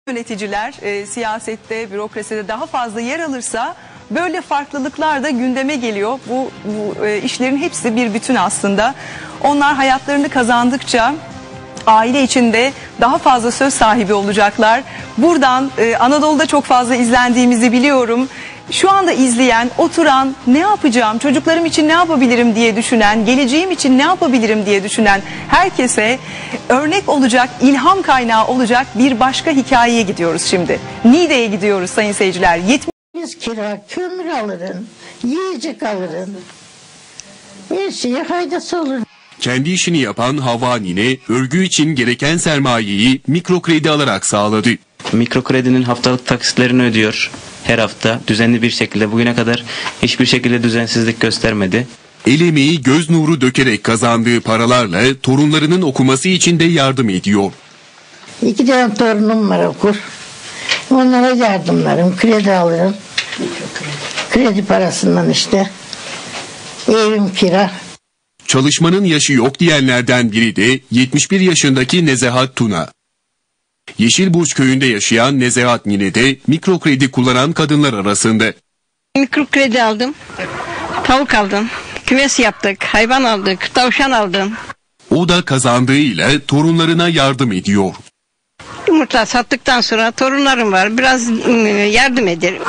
Yöneticiler siyasette, bürokraside daha fazla yer alırsa böyle farklılıklar da gündeme geliyor. Bu işlerin hepsi bir bütün aslında. Onlar hayatlarını kazandıkça aile içinde daha fazla söz sahibi olacaklar. Buradan Anadolu'da çok fazla izlendiğimizi biliyorum. Şu anda izleyen, oturan, ne yapacağım, çocuklarım için ne yapabilirim diye düşünen, geleceğim için ne yapabilirim diye düşünen herkese örnek olacak, ilham kaynağı olacak bir başka hikayeye gidiyoruz şimdi. Niğde'ye gidiyoruz sayın seyirciler. Biz kira, kömür alırın, yiyecek alırın. Her şeye faydası olur. Kendi işini yapan Havva Nine, örgü için gereken sermayeyi mikro kredi alarak sağladı. Mikro kredinin haftalık taksitlerini ödüyor her hafta düzenli bir şekilde. Bugüne kadar hiçbir şekilde düzensizlik göstermedi. El emeği göz nuru dökerek kazandığı paralarla torunlarının okuması için de yardım ediyor. 2 tane torunum var, okur. Onlara yardımlarım, kredi alırım. Kredi parasından işte. Evim kira. Çalışmanın yaşı yok diyenlerden biri de 71 yaşındaki Nezahat Tuna. Yeşilburç köyünde yaşayan Nezahat Nine de mikro kredi kullanan kadınlar arasında. Mikro kredi aldım, tavuk aldım, kümes yaptık, hayvan aldık, tavşan aldım. O da kazandığıyla torunlarına yardım ediyor. Yumurta sattıktan sonra torunlarım var, biraz yardım ederim.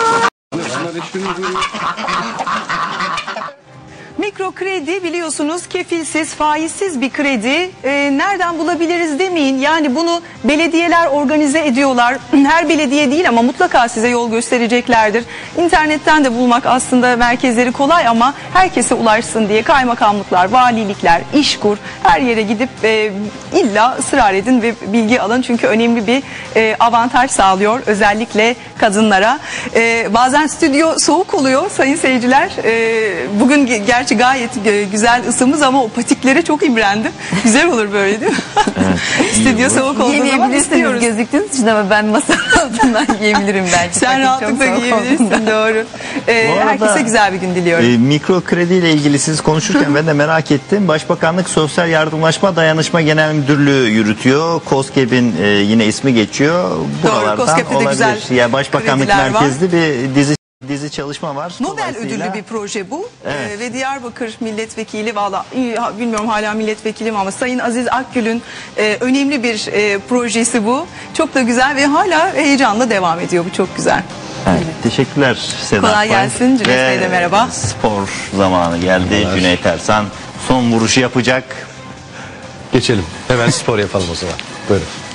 Mikro kredi biliyorsunuz kefilsiz, faizsiz bir kredi. Nereden bulabiliriz demeyin. Yani bunu belediyeler organize ediyorlar. Her belediye değil ama mutlaka size yol göstereceklerdir. İnternetten de bulmak aslında merkezleri kolay ama herkese ulaşsın diye kaymakamlıklar, valilikler, İşkur her yere gidip illa ısrar edin ve bilgi alın. Çünkü önemli bir avantaj sağlıyor özellikle kadınlara. Bazen stüdyo soğuk oluyor sayın seyirciler. Bugün gerçi gayet güzel ısımız ama o patiklere çok imrendim. Güzel olur böyle değil mi? Evet, stüdyo soğuk olduğu zaman istiyoruz. Gözüktüğünüz için ama ben masa altından yiyebilirim belki. Sen rahatlıkla yiyebilirsin, doğru. Herkese güzel bir gün diliyorum. Mikro kredi ile ilgili siz konuşurken ben de merak ettim. Başbakanlık Sosyal Yardımlaşma Dayanışma Genel Müdürlüğü yürütüyor. KOSGEB'in yine ismi geçiyor. Buralardan KOSGEB'de de olabilir. güzel Ya Başbakanlık merkezli bir dizi çalışma var. Nobel ödüllü bir proje bu. Evet. Ve Diyarbakır milletvekili, valla bilmiyorum hala milletvekili mi ama Sayın Aziz Akgül'ün önemli bir projesi bu. Çok da güzel ve hala heyecanla devam ediyor. Bu çok güzel. Evet, teşekkürler Sedat Kolay gelsin. Cüneyt Bey de merhaba. Spor zamanı geldi. Cüneyt Ersan son vuruşu yapacak. Geçelim. Hemen spor yapalım o zaman. Buyurun.